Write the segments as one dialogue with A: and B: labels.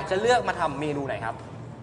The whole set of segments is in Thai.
A: จะเลือกมาทำเมนูไหนครับ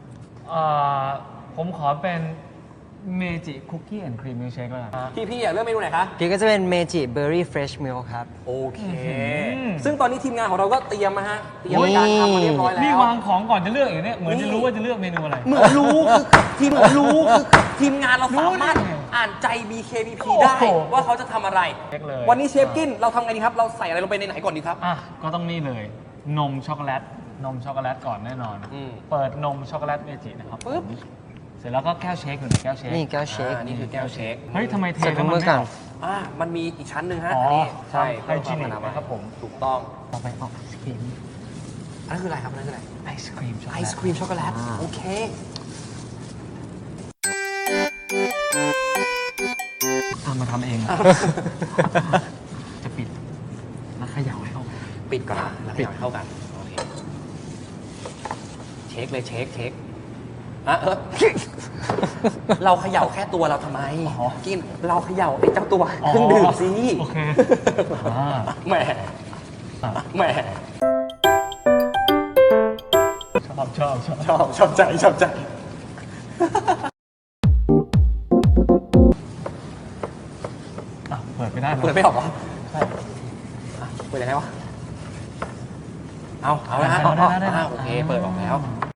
B: ผมขอเป็นเมจิคุกกี้แอนด์ครีมมิลค์เชคแล้วกัน
A: พี่อยากเลือกเมนูไหนคะ
C: พี่ก็จะเป็นเมจิเบอร์รี่เฟรชมิลครับ
A: โอเค ซึ่งตอนนี้ทีมงานของเราก็เตรียมมาฮะเตรียมการทำมาเรียบร้อยแล้ว
B: นี่วางของก่อนจะเลือกอย่างเนี้ยเหมือนจะรู้ว่าจะเลือกเมนูอะไร
A: เหมือนรู้คือทีมงานเราสามารถอ่านใจ BKBP ได้
B: โอ้โห
A: ว่าเขาจะทำอะไร
B: เช็คเลย
A: วันนี้เชฟกินเราทำไงดีครับ เราใส่อะไรลงไปในไหนก่อนดีครับ
B: ก็ต้องนี่เลย นมช็อกโกแลตก่อนแน่นอน
A: อืม
B: เปิดนมช็อกโกแลตเมจินะครับ
A: ปึ๊บ
B: เสร็จแล้วก็แก้วเชคอยู่ในแก้วเชค
C: นี่แก้วเชค
A: นี่คือแก้วเชค
B: เฮ้ยทำไมเท
C: ใส่
B: แล้ว
C: ถุง
B: มัน
C: มือ
B: ไม่
C: ก่อน
B: ออก
A: มันมีอีกชั้นหนึ่งฮะ
B: อ๋อ
A: นี่ใช่
B: ไฮจีนิกนะครับผม
A: ถูกต้อง
B: ต่อไปเอาไอศครีม
A: อันนั้นคืออะไรครับอันนั้นคืออะไร
B: ไอศครีมช็อกโก
A: ไอ
B: แลต
A: ศครีมช็อกโกแลตโอเค
B: มาทำเอง จะปิดแล้วเขย่าให้เข้ากัน
A: ปิดก่อนนะแล้วให้เข้ากันโอเคเช็คเลยเช็คเราเขย่าแค่ตัวเราทำไม
B: อ๋อ
A: กินเราเขย่าไอ้เจ้าตัวเครื่องดื่มสิ
B: โอเคอ่า
A: แหมแหม
B: ชอบ
A: ชอบใจ
B: เปิดไม่ได้หรอ
A: เปิดไม่ออกเหรอใช่เปิดยังไงวะเอาแล้วฮะโอเคเปิดออกแล้ว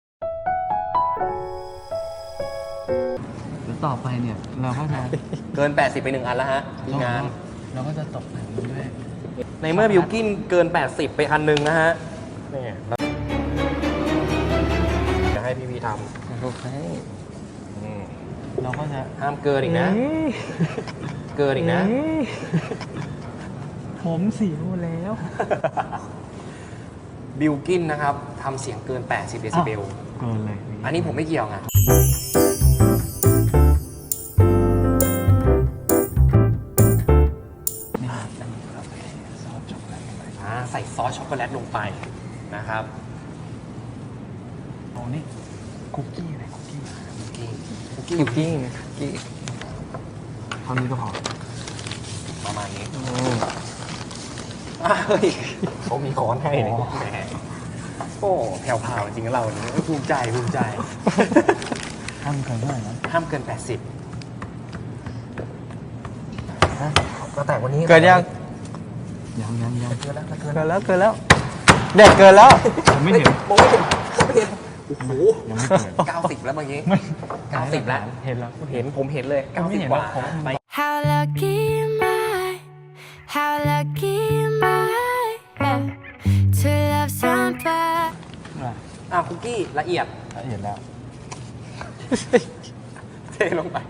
B: แล้วต่อไปเนี่ยเราก็จะ
A: เกิน 80 ไป1อันแล้วฮะทีมงาน
B: เราก็จะตกแต่งมันด้วย
A: ในเมื่อบิวกินเกิน 80 ไปอันหนึงนะฮะนี่จะให้พี่ท
C: โอเค
A: ำ
B: เราก็จะ
A: ห้ามเกินอีกนะ เกินอีกนะ
B: ผมเสียหมดแล้ว
A: บิวกินนะครับทำเสียงเกิน 80 เดซิเบล
B: เกินเลย
A: อันนี้ผมไม่เกี่ยวไงใส่ซอสช็อกโกแลตลงไปนะครับ
B: เอานี่คุกกี้อะไรคุกกี้
A: คุกกี้
C: คุกกี้
B: เท่านี้ก็พอ
A: ประมาณนี้เฮ้ยเขามีค้อนให้เลยแหมโอ้แผ่วพราวจริงๆเราเนี่ยภูมิใจ
B: ห้ามเกินเท่าไหร่นะ
A: ห้ามเกิน 80ก็แต่วันนี้
C: เกินยัง
B: ยัง
A: เกินแล้ว
C: เกินแล้วเด็ดเกินแล้ว
B: ผมไม่เห็น
A: มองไม่เห็นโอ้โห
B: ยังไม่เกิน
A: 90 แล้วเมื่อกี้
B: ไม่
A: 90 แล้ว
B: เห็นแล้ว
A: ผมเห็นเลย
B: ไม่เห็น
A: 90 กว่า
B: แล้วผม
A: ไป
D: How lucky am I? How lucky am I? Yeah, to love somebody.
A: คุกกี้ละเอียด
B: เห็นแล้ว
A: เทลงไป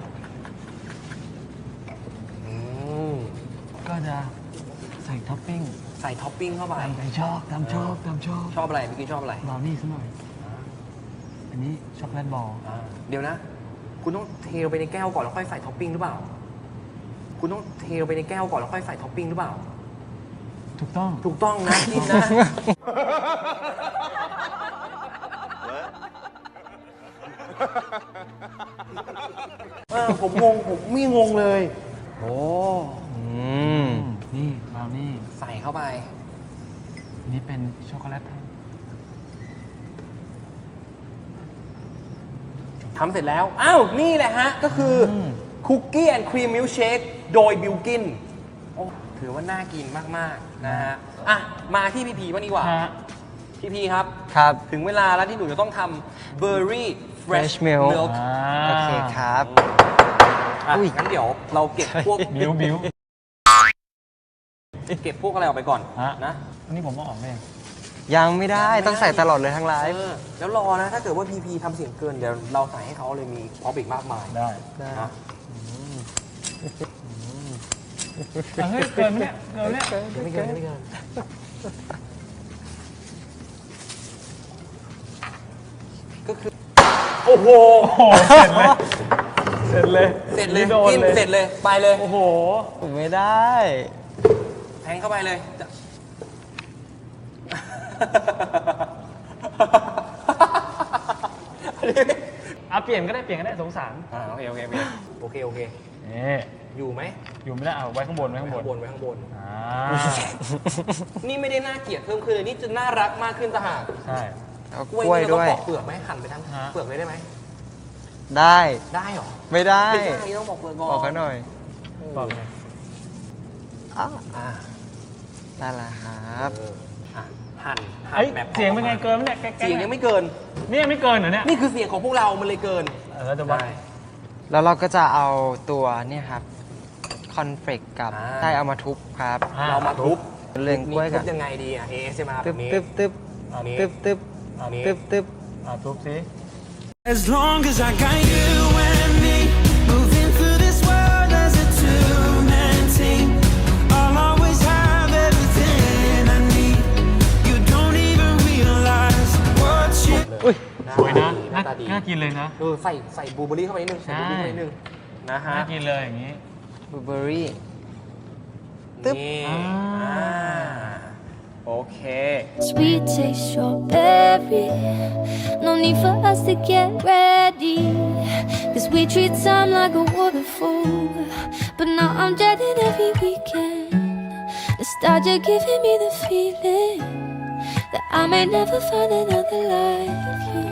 B: ก็จะใส่ท็อปปิ้ง
A: ใส่ท็อปปิ้งเข้าไป
B: ตามชอบ
A: ชอบอะไรเมื่อกี้ชอบอะไร
B: บราวนี่ซะหน่อย อันนี้ช็อกโกแลตบอล
A: เดี๋ยวนะ คุณต้องเทลงไปในแก้วก่อนแล้วค่อยใส่ท็อปปิ้งหรือเปล่า คุณต้องเทลงไปในแก้วก่อนแล้วค่อยใส่ท็อปปิ้งหรือเปล่า
B: ถูกต้อง
A: ถูกต้องนะกินนะ ผมงง ผมไม่งงเลย โอ้
B: นี่บราวนี่
A: ใส่เข้าไป
B: อันนี้เป็นช็อกโกแลต
A: ทำเสร็จแล้ว อ้าว นี่แหละฮะ ก็คือคุกกี้แอนด์ครีมมิลค์เชคโดยบิลกินถือว่าน่ากินมาก ๆ นะฮะ มาที่พี่พีบ้างดีกว่า พี่พีครับ
C: ครับ
A: ถึงเวลาแล้วที่หนูจะต้องทำเบอร์รี่เฟรช
C: Fresh milk
A: มิลค์
C: โอเคครับ อุ้ย
A: งั้นเดี๋ยวเราเก็บพวก
B: บิ้ว
A: เก็บพวกอะไรออกไปก่อนนะ
B: อันนี้ผมต้องออกไหม
C: ยังไม่ได้ต้องใส่ตลอดเลยทั้งไลฟ์
A: แล้วรอนะ ถ้าเกิดว่าพีพีทำเสียงเกิน เดี๋ยวเราใส่ให้เขาเลยมีพร็อพอีกมากมาย
B: ได้
A: นะ
B: เฮ้ยเกินไหมเนี่ยเกินเนี่ย
A: ไม่เกินไม่เกินก็คือ โอ้โห
B: เสร็จเลย
A: เสร็จเลย
B: โดน
A: กิน
B: เลย
A: เสร็จเลยไปเลย
B: โอ้โห
C: ไม่ได้
A: แทงเข้าไปเลย
B: เปลี่ยนก็ได้สงสาร
A: โอเค
B: นี่
A: อยู่ไหม
B: อยู่ไม่ได้เอาไว้ข้างบน
A: ไว้ข้างบน
B: อ่า
A: นี่ไม่ได้น่าเกลียดเพิ่มขึ้นเลยนี่จะน่ารักมากขึ้นต่างหาก
B: ใช่
C: เอา
A: ก
C: ก
A: ล้วย
C: ล้วย
A: นี่เรา
C: ด้วย
A: ต้องปอกเปลือกไหมหั่นไปทั้งเปลือกเลยได้ไหม
C: ได้
A: ได้เหรอ
C: ไม่ได้
A: ไม่ได้ต้องปอกเปลือกก่อน
C: บอกเขาหน่อย
B: บอกเลย
C: อ้า
A: อ่า
C: ได้ละครับ
A: อ่ะหั่น
B: เอ้ย
A: แบบ
B: เสียงเป็นไงเกินไหมเนี่ยแก๊กๆ
A: เสียงยังไม่เกิน
B: นี่ยังไม่เกินเหรอเนี่ย
A: นี่คือเสียงของพวกเรามันเลยเกิน
B: เราจะวัด
A: ได้
C: แล้วเราก็จะเอาตัวเนี่ยครับคอนเฟลกกับ
A: อ่า
C: ได้เอามาทุบครับ
A: เรามาทุบ
C: เรียงกล้วย
A: ทุ
C: กับ
A: ยังไงดีอ่ะ ASMR แบ
C: ตึ๊บบ
A: นี้
C: ตึ๊บตึ๊บ
B: อันนี้
C: ตึ๊บตึ๊บ
A: อันนี้
C: ตึ๊บตึ๊บ
B: ทุบสิ
E: As long as I got you and me moving through this world as a two-man team, I'll always have everything I need. You don't even realize what you
C: อุ้ย
B: สวยนะ
A: หน้าตาดี
B: น่ากินเลยนะ
A: ใส่บลูเบอร์รี่เข้าไปนิดนึงใส่บลูเบอร์รี่เข้าไปนิดนึงนะฮะ
B: น่ากินเลยอย่างนี้
C: บลูเบอร์รี่ ตึ๊บ
A: นี่
B: อ่า
A: โอเค
D: Sweet taste strawberry. No need for us to get ready. Cause we treat time like a waterfall. But now I'm dreading every weekend. Nostalgia giving me the feeling that I may never find another like you.